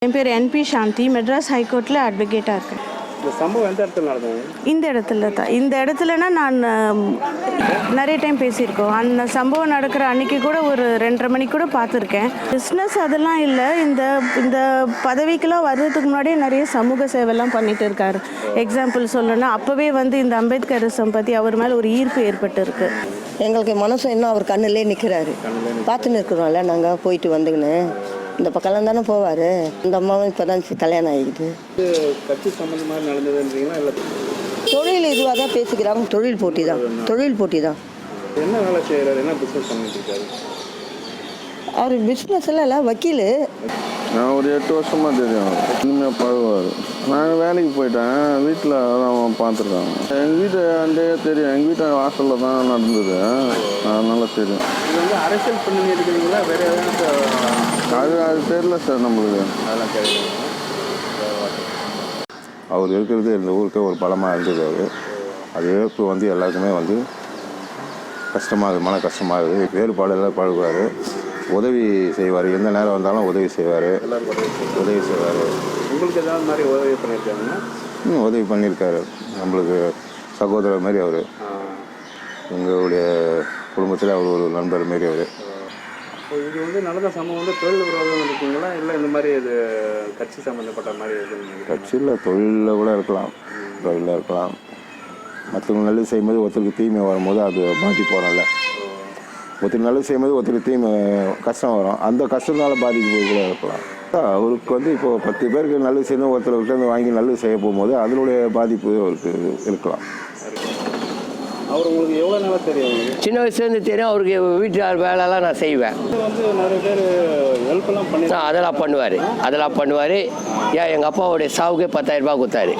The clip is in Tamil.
என் பேர் என்பி சாந்தி. மெட்ராஸ் ஹைகோர்ட்டில் அட்வொகேட்டாக இருக்கேன். இந்த சம்பவம் எந்த இடத்துல நடந்தது? இந்த இடத்துல தான். இந்த இடத்துலனா நான் நிறைய டைம் பேசியிருக்கோம். அந்த சம்பவம் நடக்கிற அன்றைக்கி கூட ஒரு 2:30 மணிக்கு கூட பார்த்துருக்கேன். பிஸ்னஸ் அதெல்லாம் இல்லை. இந்த இந்த பதவிக்கெல்லாம் வர்றதுக்கு முன்னாடியே நிறைய சமூக சேவைலாம் பண்ணிட்டு இருக்காரு. எக்ஸாம்பிள் சொல்லணும்னா அப்போவே இந்த அம்பேத்கரிசம் பற்றி அவர் மேலே ஒரு ஈர்ப்பு ஏற்பட்டு இருக்கு. எங்களுக்கு மனசு இன்னும் அவர் கண்ணிலே நிற்கிறாரு. பார்த்துன்னு இருக்கிறோம்ல, நாங்கள் போயிட்டு வந்துங்கன்னு இந்த பக்கம்லாம் தானே போவார். இந்த அம்மாவும் இப்போ தான் கல்யாணம் ஆகிக்குது. கட்சி சம்பந்தமாக நடந்ததுன்றீங்களா? இல்லை தொழில் இதுவாக தான் பேசிக்கிறாங்க. தொழில் போட்டி தான். என்ன வேலை செய்கிறாரு? என்ன பிஸ்னஸ் பண்ணிட்டு இருக்காரு? அவர் பிஸ்னஸ் எல்லாம் இல்லை, வக்கீல். நான் ஒரு 8 வருஷமாக தெரியும். இனிமேல் பழகுவார். நான் வேலைக்கு போயிட்டேன். வீட்டில் அவன் பார்த்துருக்காங்க. எங்கள் வீட்டு அண்டே தெரியும். எங்கள் வீட்டு வாசலில் தான் நடந்தது. அதனால தெரியும். இது அரசியல் பண்ணி இருக்கிறீங்களா? வேறு எதாவது அது தெரியல சார் நம்மளுக்கு. அதெல்லாம் தெரியும். அவர் இருக்கிறது இந்த ஊருக்கே ஒரு பலமாக இருந்தது. அது இழப்பு எல்லாருக்குமே கஷ்டமாகுது, மன கஷ்டமாகுது. வேறுபாடு எல்லாம் பழகுவார், உதவி செய்வார். எந்த நேரம் வந்தாலும் உதவி செய்வார். உங்களுக்கு ஏதாவது மாதிரி உதவி பண்ணியிருக்காங்கன்னா? உதவி பண்ணியிருக்காரு. நம்மளுக்கு சகோதரர் மாதிரி அவர். எங்களுடைய குடும்பத்தில் அவர் ஒரு நண்பர் மாரி அவர். இது நடந்த சம்பவம் தொழில் விரோதம் இருக்குங்களா? இல்லை இந்த மாதிரி இது கட்சி சம்மந்தப்பட்ட மாதிரி கட்சியில் தொழிலில் கூட இருக்கலாம். மற்றவங்க நல்லது செய்யும்போது ஒருத்தருக்கு தீமை வரும்போது அது பாதிப்பு வரும்ல. ஒருத்தர் நல்லது செய்யும்போது ஒருத்தருக்கு தீமை கஷ்டம் வரும். அந்த கஷ்டத்தினால பாதிப்பு கூட இருக்கலாம். அவருக்கு இப்போது 10 பேருக்கு நல்லது செய்யணும், ஒருத்தர்கிட்ட வாங்கி நல்லது செய்ய போகும்போது அதனுடைய பாதிப்பு அவருக்கு இருக்கலாம். அவர் உங்களுக்கு எவ்வளோ நாளாக தெரியும்? சின்ன வயசுலேருந்து தெரியும். அவருக்கு வீட்டு வேலைலாம் நான் செய்வேன். நிறைய பேர் ஹெல்ப்லாம் பண்ணி அதெல்லாம் பண்ணுவார். ஏன் எங்கள் அப்பாவுடைய சாவுக்கே 10,000 ரூபாய் கொடுத்தாரு.